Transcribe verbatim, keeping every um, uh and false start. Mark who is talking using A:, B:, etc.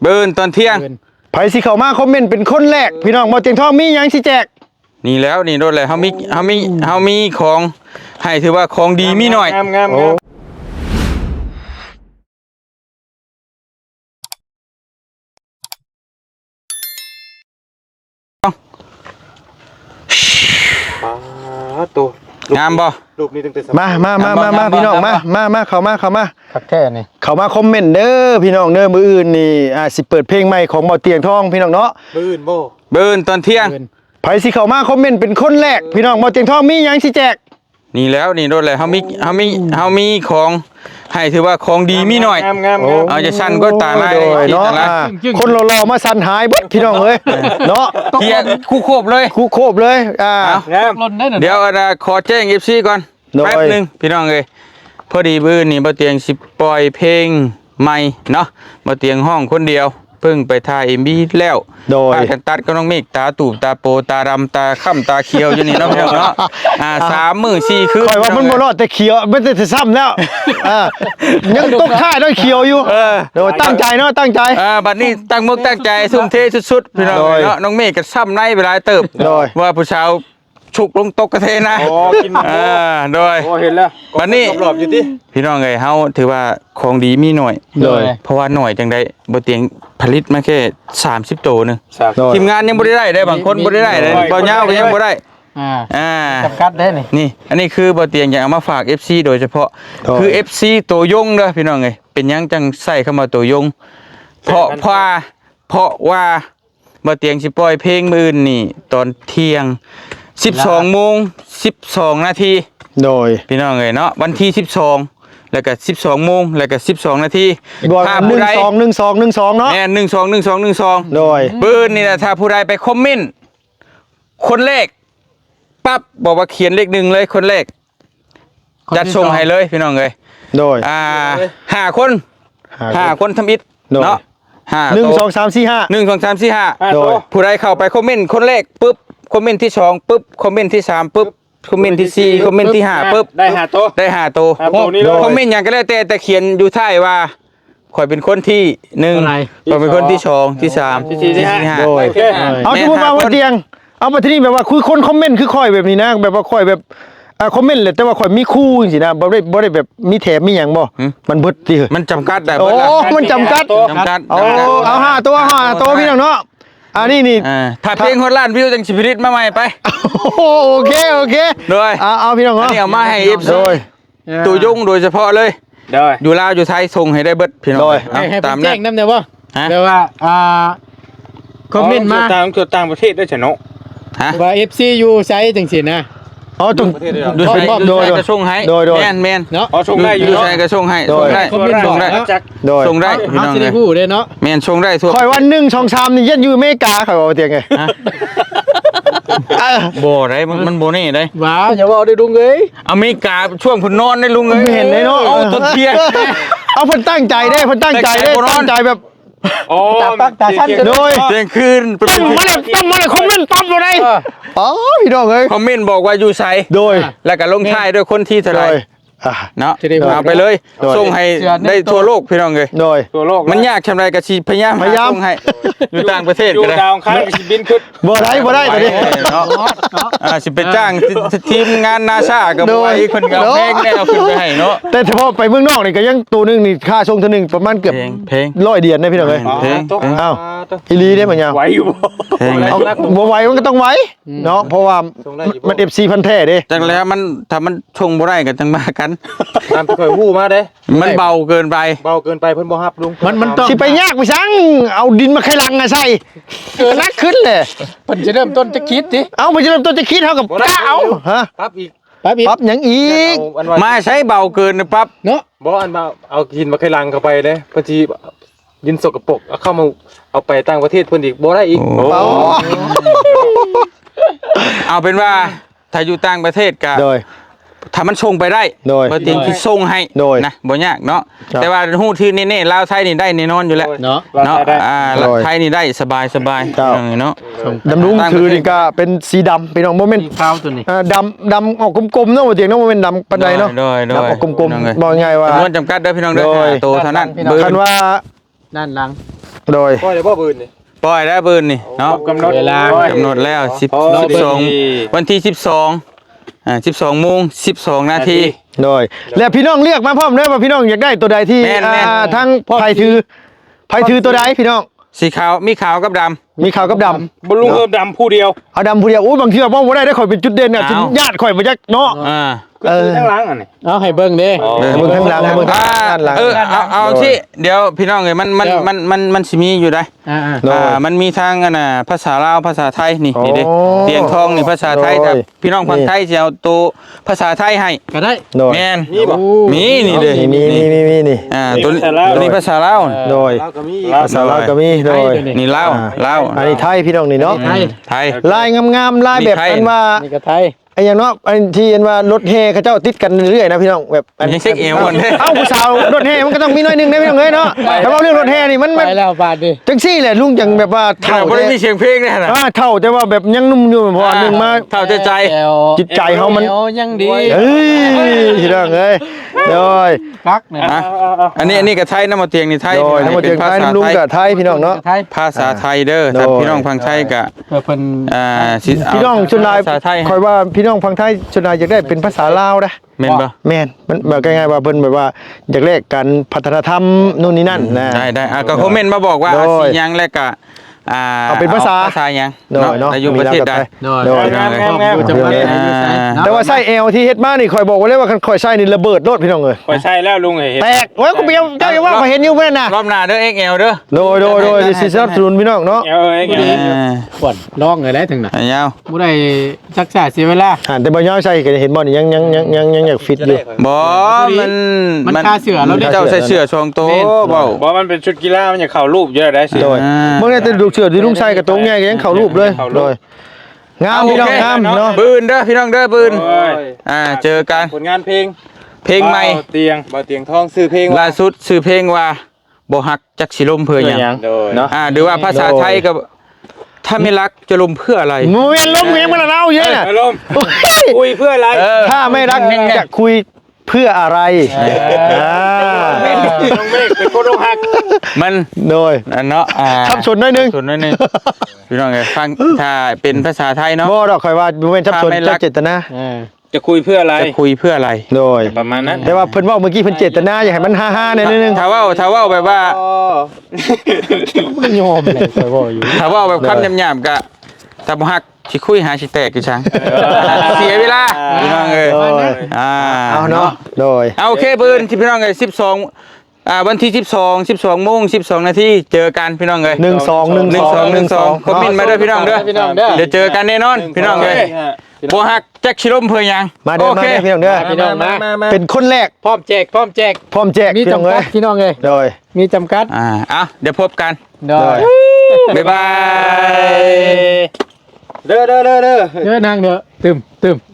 A: เบิ่นตอนเที่ยง
B: ไผสิเข้ามาคอมเมนต์เป็นคนแรกพี่น้องบ่เตียงทองมีหยังสิแจก
A: นี่แล้วนี่โดนเลยเฮามีเฮามีเฮามีของให้ถือว่าของดีมีหน่อย
C: งามๆตัว
A: งามบ่
C: รูปนี้ตั้งแต่
B: มามามามามาพี่น้องมามามาเข้ามาเข้ามา
D: คักแท้นี่
B: เข้ามาคอมเมนต์เด้อพี่น้องเด้อมื้ออื่นนี่อ่าสิเปิดเพลงใหม่ของบ่เตียงทองพี่น้องเนาะ
C: มื้ออื่นบ่
A: เบิ่นตอนเที่ยง
B: ไผสิเข้ามาคอมเมนต์เป็นคนแรกพี่น้องบ่เตียงทองมีหยังสิแจก
A: นี่แล้วนี่โดนเลยเฮามีเฮามีเฮามีของให้ถือว่าของดีมีหน่อยเอาจะสั่นก็ตาลาย
B: เนาะคนรอๆมาสั่นหายเบิดพี่น้องเอ้ยเนาะ
A: เทียคู่โคบเลย
B: คู่โคบเลยอ่า
A: เดี๋ยวขอแจ้ง เอฟ ซี ก่อนแป๊บนึงพี่น้องเอ้ยพอดีบื้อนี่บ่เตียงสิปล่อยเพลงใหม่เนาะบ่เตียงห้องคนเดียวเพิ่งไปถ่าย เอ็ม วี แล้วโดยกันตัดก็น้องเมฆตาตูบตาโปตาดำตาค่ำตาเขียวอยู่นี่เนาะพี่น้องเนาะอ่าสามมื้อสี่คืน
B: ข่อยว่ามันบ่รอดแต่เขียวมันจะซ้ำแล้วอ่ายังตกท่าด้วยเขียวอยู่เออโดยตั้งใจเนาะตั้งใจ
A: อ่าบัดนี้ตั้งมุกตั้งใจทุ่มเทสุดๆพี่น้องเนาะน้องเมฆก็ซ้ำในเวลาเติบว่าผู้ชายฉุกลงตกกระเทนะ
C: อ๋อกิน
A: อ่าโดย
C: โอ้เห็นแล้ว
A: วันนี้
C: รอบๆอยู่ติ
A: พี่น้องเอ้ยเฮาถือว่าของดีมีหน่อยโดยเพราะว่าหน่อยจังได๋บ่เตียงผลิตมาแค่สามสิบโตนึงทีมงานยังบ่ได้ได้ได้บางคนบ่ได้ได้เลยบ่ยาวก็ยังบ่ได้อ่าอ่า
D: จำกัดได้นี่
A: นี่อันนี้คือบ่เตียงอยากเอามาฝาก เอฟ ซี โดยเฉพาะคือ เอฟ ซี ตัวยงเด้อพี่น้องเอ้ยเป็นหยังจังใส่เข้ามาตัวยงเพราะเพราะเพราะว่าบ่เตียงสิปล่อยเพลงมื้ออื่นนี่ตอนเที่ยงสิบสองโมงสิบสองนาที
B: โดย
A: พี่น้องเอ้ยเนาะวันที่สิบสองแล้วก็สิบสองโมงแล้วก็สิบสองนาที
B: ถ้าผู้ใดหนึ่ง สอง หนึ่ง สอง หนึ่ง สองเนาะ
A: แม่นหนึ่ง สอง หนึ่ง สอง หนึ่ง สอง
B: โดย
A: ปืนนี่นะถ้าผู้ใดไปคอมเมนต์คนเลขปั๊บบอกว่าเขียนเลขหนึ่งเลยคนเลขจัดส่งให้เลยพี่น้องเอ้ย
B: โดย
A: อ่าห้าคนห้าคนทำอิฐเนาะห้า
B: หนึ่ง สอง สาม สี่ ห้า
A: หนึ่ง สอง สาม สี่ ห้าโดยผู้ใดเข้าไปคอมเมนต์คนเลขปุ๊บคอมเมนต์ที่สองปุ๊บคอมเมนต์ที่สามปุ๊บคอมเมนต์ที่สี่คอมเมนต์ที่ห้าปุ๊บ
C: ได้ห้าโต
A: ได้ห้าโตคอมเมนต์อย่างก็แล้วแต่แต่เขียนอยู่ท้ายว่าข่อยเป็นคนที่หนึ่งข่อยเป็นคนที่สองที่สามที่สี่ที่ห้าโดย
B: เอาสมมุติว่าบ่เตียงเอามาที่นี่แบบว่าคุยคนคอมเมนต์คือข่อยแบบนี้นะแบบว่าข่อยแบบอ่าคอมเมนต์เลยแต่ว่าข่อยมีคู่จังซี่นะบ่ได้บ่ได้แบบมีแถมมีหยังบ่มันเบิดติ
A: มันจำกัดได้
B: โอ้มันจำกัด
A: จำกัด
B: เอาเอาห้าตัวห้าตัวพี่น้องเนาะอ่านี่นี่
A: ถ้าเพลงฮอตล้านวิวจังสิผลิตมาใหม่ไป
B: โอเคโอเค
A: โดย
B: เอาเอาพี่น้องเนาะ
A: อันนี้เอามาให้ เอฟ ซี โดยตัวยงโดยเฉพาะเลย
C: โดย
A: อยู่ลาวอยู่ไทยส่งให้ได้เบิดพี่น้อง
D: ตามนั้นแจ้งนำได้บ่แปลว่าอ่าคอมเมนต์มา
C: ต่างต่างประเทศด้วยเฉเนาะ
D: ฮะว่า เอฟ ซี อยู่ไสจังซี่นะ
B: อ๋อจุง
A: โดยโดยกระส่งให้แม่นแม่น
C: เนาะอ๋อส่งได้อยู่
A: ใช่กระส่งให้ส่งได้ส่งได้
B: โดย
A: ส่งได้พี่น้องเลย
D: ฮู้ได้เนาะ
A: แม่นส่งได้ทั่ว
B: ข่อยวันหนึ่ง สอง สามนี่ยันอยู่อเมริกาข่อยว่าเตียงไง
A: บ่ได้มันมันบ่นี่ได้
D: ว้าอย่าว่าได้ลุงเอ้ย
A: อเมริกาช่วงเพิ่นนอนได้ลุงเอ้ย
B: เห็นได้เนาะ
A: เอาตดเที่ยง
B: เอาเพิ่นตั้งใจได้เพิ่นตั้งใจได้ตั้งใจแบบ
C: อ๋อ
D: ตาปักตาชั้น
B: โดย
A: เที่ยงคืน
B: ตั้งมาเลยตั้งมาเลยคอมเมนต์ปั๊บบ่ได้อ๋อพี่น้องเอ้ย
A: คอมเมนต์บอกว่าอยู่ไส
B: โดย
A: แล้วก็ลงท้ายด้วยคนที่เท่าไหร่เนาะเอาไปเลยส่งให้ได้ทั่วโลกพี่น้องเลย
B: โดย
C: ทั่วโลก
A: มันยากชำไรกะชีพยายาม
B: พยายาม
A: ส่งให้อยู่ต่างประเทศ
C: ก็ได้อยู่ดาวค้างสิบินขึ้น
B: บ่ได้บ่ได้ตอนนี้
A: เนาะอ่าสิไปจ้างทีมงาน NASA ก็บ่ให้เพิ่นก็เพลงแนวขึ้นไปให้เนาะ
B: แต่เฉพาะไปเมืองนอกนี่ก็ยังตัวนึงนี่ค่าส่งเท่านึงประมาณเกือบ
A: เพลง
B: ร้อยเดือนนะพี่น้องเอ้ย
A: เพลง
B: อ้าวอีหลีได้มั้ยยาว
C: ไหวอยู่
A: เพลง
B: บ่ไหวมันก็ต้องไหวเนาะเพราะว่ามัน เอฟ ซี พันแท้เด้
A: จังแล้วมันถ้ามันชงบ่ได้ก็จังมากัน
C: ตามที่เคยฮู้มาเด้
A: มันเบาเกินไป
C: เบาเกินไปเพิ่นบ่ฮับลุง
B: มันมันต้องสิไปยากไปซังเอาดินมาไขลังอ่ะใส่เกินนักขึ้นเลย
D: เพิ่นจะเริ่มต้นจะคิดติ
B: เอามันจะเริ่มต้นจะคิดเท่ากับกล้าเอาฮะ
C: ปั๊บอีก
B: ปั๊บอีกปั๊บหยังอีก
A: มาใช้เบาเกินปั๊บ
D: เนาะ
C: บ่อันมาเอาดินมาไขลังเข้าไปเด้พอดีดินสกปรกเอาเข้ามาเอาไปต่างประเทศเพิ่นอีกบ่ได้อีก
A: เอาเป็นว่าถ้าอยู่ต่างประเทศก็
B: โดย
A: ถ้ามันส่งไปได้บ่จริงที่ส่งให้นะบ่ยากเนาะแต่ว่าฮู้ที่แน่ๆลาวไทยนี่ได้แน่นอนอยู่แล้ว
D: เนาะ
A: เนาะอ่าลาวไทยนี่ได้สบายๆเนาะ
B: ดำรุงถือนี่ก็เป็นสีดำเป็นโมเมนต์
D: ขาวตัวนี้
B: อ่าดำดำออกกลมๆเนาะบ่เตียงเนาะโมเมนต์ดำปานใดเนาะดำออกกลมๆบ่ง่ายว่า
A: จำนวนจำกัดเด้อพี่น้องเด้อโตเท่านั้น
B: คันว่า
D: ด้านหลัง
B: โดย
C: ปล่อยได้บ่บืนนี่
A: ปล่อยได้ปืนนี่เนาะ
C: กำหนด
D: เวลา
A: กำหนดแล้วสิบ
C: อ๋อ
A: สิบสองวันที่สิบสองอ่าสิบสองโมงสิบสองนาที
B: โดยแล้วพี่น้องเลือกมาพร้อมเด้อว่าพี่น้องอยากได้ตัวใดที่
A: แม่นแม่น
B: อ่าทั้งไผถือไผถือตัวใดพี่น้อง
A: สีขาวมีขาวกับดำ
B: มีขาวกับดำ
C: บรรลุเพิ่มดำผู้เดียว
B: เอาดำผู้เดียวอู้บางทีว่าบ่ได้ได้ข่อยเป็นจุดเด่นน่ะ
A: เอา
B: ญาติข่อยบ่จักเนาะ
A: อ่า
B: เออ
C: ทั้งหลังอ่ะนี่
D: เอาให้เบิ่งเด้
C: อ๋อ
B: เบิ่งข้างหลังเบิ่งข้าง
A: อ่า
B: หลัง
A: เออเอาเอาที่เดี๋ยวพี่น้องเอ้ยมันมัน
D: เดี๋ยว
A: มันมันมันสิมีอยู่ได้
D: อ่า
B: โดย
A: อ่ามันมีทางอันน่ะภาษาลาวภาษาไทยนี่นี่เด้
B: โอ้
A: เตียงทองนี่ภาษาไทย
B: โดย
A: แต่พี่น้องฝั่งไทยสิเอาตัวภาษาไทยให้
D: ๆก็ได้
B: โดย
A: แม่น
C: นี่บ่
A: มีนี่เด้
B: มีมีมีมีนี่
A: อ่าตัวนี้
C: ภาษาลาว
A: ตัวนี้ภาษาลาว
B: โดย
C: เราก็มี
B: ภาษาลาวก็มีโดย
A: นี่ลาวลาว
B: อันนี้ไทยพี่น้องนี่เนาะ
D: ไทย
A: ไทย
B: ลายงามๆลายแบบ
A: มีไทย
B: อันว่า
D: นี่ก็ไทย
B: ไอ้อย่างเนาะอันที่อันว่ารถแห่เขาเจ้าติดกันเรื่อยๆนะพี่น้องแบบอัน
A: ยังเช็คเอวก่อนเด้
B: เอ้าผู้สาวรถแห่มันก็ต้องมีหน้อยหนึงนะพี่น้องเอ้ยเนาะแต่ว่าเรื่องรถแห่นี่มัน
D: ไป
B: มัน
D: แล้วบาดดิ
B: จังซี่แหละลุงจังแบบว่า
A: เท่า
B: เท่า
A: บ่ได้
B: แต่
A: มีเสียงเพลงแน่น่ะ
B: อ่าเท่าแต่ว่าแบบยังนุ่มอยู่เพราะว่าหนึงมา
A: เท่าใจใจ
D: แอว
B: จิตใจเขามัน
D: แอวยังดี
B: เอ้ยพี่น้องเอ้ยโดย
D: กักเนี่ย
A: อ่ะอันนี้อันนี้ก็ไทยน้ำมาเตียงนี่ไทย
B: โดยทั้งหมดเจียงไทยน้ำลุงกับไทยพี่น้องเนาะ
D: ไทย
A: ภาษาไทยเด้อ
B: โดย
A: ถ้าพี่น้องฟังไทยก็
D: เพื่อเพิ่น
A: อ่าสิเา
B: พี่น้องชนลาย
A: ภาษาไทย
B: คอยว่าพี่น้องฟังไทยชนลายอยากได้เป็นภาษาลาวนะ
A: แม่นบ่
B: แม่นมันแบบง่ายๆว่าเพิ่นแบบว่าอยากแลกกันพัฒนธรรมนู่นนี่นั่นนะ
A: ได้ได้อ่ะก็คอมเมนต์มาบอกว่า
B: โดย
A: อาสิหยังแล้วก็อ่า
B: เอาเป็นภาษา
A: ภาษาหยัง
B: โดยเนาะ
A: แต่อยู่ประเทศใด
D: โดย
B: โดย
C: งามงามงาม
D: จะมาได้
A: อ่า
D: อยู่ไสเนาะ
B: แต่ว่าไส้เอลที่เฮ็ดมานี่คอยบอกไว้เลยว่าคันคอยไส้นี่ระเบิดโลดพี่น้องเอ้ย
C: ข่อยใช่แล้วลุงเห็น
B: แตกโอ้ยกูเบี้ยวเจ้าอย่าว่าข่อยเห็นอยู่เพิ่นน่ะ
A: รอบหน้าเด้อ เอ็กซ์ แอล เด้อ
B: โดยโดยโดยสิสนับสนุนพี่น้องเนาะ
C: เออเอง
A: อ่า
D: ขวดลองเลยได้ถึงน่ะ
A: อันยาว
D: บ่ได้ซักษาเสียเวลา
B: อ่านแต่บ่ยาวใส่ก็เห็นบ่นี่ยังยังยังยังยังอยากฟิตอยู่
A: บ่มัน
D: มันคาเสือแล้วเด้
A: เจ้าใส่เสื้อชองโตเว้า
C: บอกมันเป็นชุดกีฬามันอยากเข้ารูปเยอะได้สิ
B: โดย
A: อ่า
B: เมื่อได้แต่ดูเชือที่ลุงใส่กับตรงใหญ่ก็ยังเข้ารูปเลยโดยงามพี่น้องงามเนาะ
A: บืนเด้อพี่น้องเด้อบืน
C: โอ้ย
A: อ่าเจอกัน
C: ผลงานเพลง
A: เพลงใหม่
C: บ่าวเตียงบ่าวเตียงทองซื้อเพลง
A: ล่าสุดชื่อเพลงว่าบ่ฮักจักสิลมเพื่อหยัง
C: โดยเนาะ
A: อ่าหรือว่าภาษาไทยก็ถ้าไม่รักจะลมเพื่ออะไร
B: มึงเวียนล้มเวียนมาแล้วเอาเยอะน่ะ
C: อารมณ์คุยเพื่ออะไร
A: เออ
B: ถ้าไม่รักจะคุยเพื่ออะไรอ่า
C: น้องเมฆเป็นคนอกหัก
A: มัน
B: โดย
A: อันเนาะอ่า
B: ทับชนหน่อยหนึง
A: ส่วนน้อยหนึงพี่น้องเอ้ยฟังถ้าเป็นภาษาไทยเนาะ
B: บ่ดอกข่อยว่าบ่แม่นทับชน
A: ถ้าไม่รัก
B: เจตนา
D: เออ
C: จะคุยเพื่ออะไร
A: จะคุยเพื่ออะไร
B: โดย
C: ประมาณนั้น
B: แต่ว่าเพิ่นเว้าเมื่อกี้เพิ่นเจตนาอยากให้มันฮ่าๆหน่อยนึง
A: ถ้าเว่าถ้าเว่าแบบว่า
D: บ่ยอมเลยคอยบอกอยู่
A: ถ้าเว่าแบบคำหยาบๆก็ถ้าบ่ฮักสิคุยหาสิแตกกี่ช้างเสียเวลาพี่น้องเอ้ย
B: โดย
A: อ่า
B: เอาเนาะโดย
A: เอาโอเคเบิ่นที่พี่น้องเอ้ยสิบสองอ่าวันที่สิบสอง สิบสองโมงสิบสองนาทีเจอกันพี่น้องเอ้ย
B: หนึ่งสองหนึ่ง
A: หนึ่
B: ส
A: ง
B: อง
A: สองหนึ่งสองคอมเมนต์มาเด้อพี่น้องเด้อ
D: พี่น้องเด้อ
A: เดี๋ยวเจอกันแน่นอนพี่น้องเอ้ยบ่ฮักจักสิลมเพื่อหยัง
B: มาเด้อ
A: โอ
B: มา
A: เค
B: เด้อพี่น้องเด้อ
D: พี่น้องนะ
B: เป็นคนแรก
D: พร้อมแจกพร้อมแจก
B: พร้อมแจก
D: มี
B: พี่น้อง
D: จำกั
B: เอ้
D: ด
B: ย
D: พี่น้องเอ้ย
B: โดย
D: มีจำกัด
A: อ่าเอาเดี๋ยวพบกัน
D: โดย
A: บ๊ายบาย
C: เด้อเด้อเด้อเด้อ
D: เด้อนางเด้อตึมตึม